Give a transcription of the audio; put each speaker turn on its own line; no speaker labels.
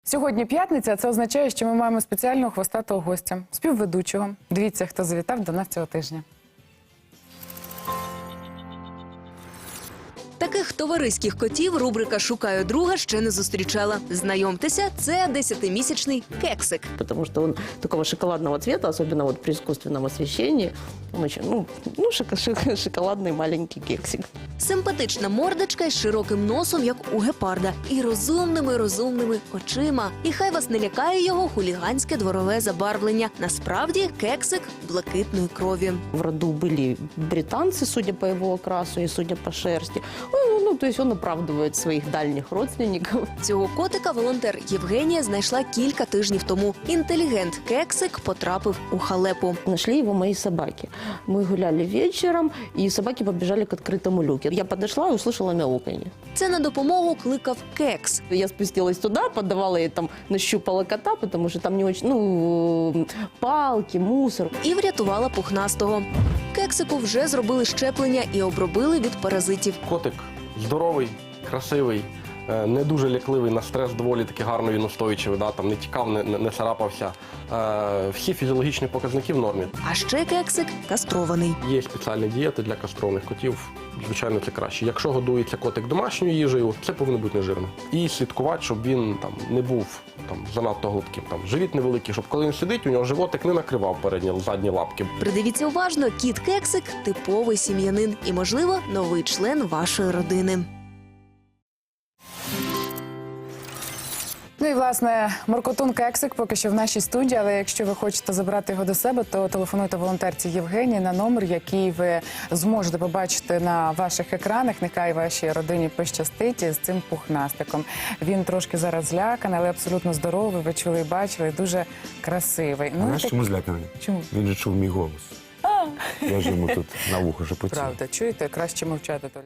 Сьогодні п'ятниця, а це означає, що ми маємо спеціального хвостатого гостя, співведучого. Дивіться, хто завітав до нас цього тижня.
Таких товариських котів рубрика «Шукаю друга» ще не зустрічала. Знайомтеся, це 10-місячний кексик.
Потому что он такого шоколадного цвета, особенно вот при искусственном освещении. Он очень, шоколадный маленький кексик.
Симпатична мордочка із широким носом, як у гепарда, і розумними очима. І хай вас не лякає його хуліганське дворове забарвлення. Насправді кексик блакитної крові.
В роду были британцы, судя по его окрасу и судя по шерсти. То есть он оправдывает своих дальних родственников.
Цього котика волонтер Євгенія знайшла кілька тижнів тому. Інтелігент-кексик потрапив у халепу.
Нашли его мои собаки. Мы гуляли вечером, и собаки побежали к открытому люку. Я подошла и услышала мяуканье.
Це на допомогу кликав кекс.
Я спустилась туда, подавала ей там, нащупала кота, потому что там не очень, палки, мусор.
І врятувала пухнастого. Кексику вже зробили щеплення і обробили від паразитів.
Котик здоровий, красивий, не дуже лякливий, на стрес доволі таки гарно він устойчивий, там не тікав, не царапався. Всі фізіологічні показники в нормі.
А ще кексик кастрований.
Є спеціальні дієти для кастрованих котів, звичайно, це краще. Якщо годується котик домашньою їжею, це повинно бути нежирно. І слідкувати, щоб він не був занадто глибким. Живіт невеликий, щоб коли він сидить, у нього животик не накривав передні, задні лапки.
Придивіться уважно, кіт-кексик – типовий сім'янин і, можливо, новий член вашої родини.
Ну і, власне, Моркотун Кексик поки що в нашій студії, але якщо ви хочете забрати його до себе, то телефонуйте волонтерці Євгенії на номер, який ви зможете побачити на ваших екранах. Нехай вашій родині пощастить з цим пухнастиком. Він трошки зараз зляканий, але абсолютно здоровий, ви чули і бачили, дуже красивий.
Знаєш, чому зляканий?
Чому?
Він же чув мій голос. Я ж йому тут на вухо шепотів.
Правда, чуєте? Краще мовчати.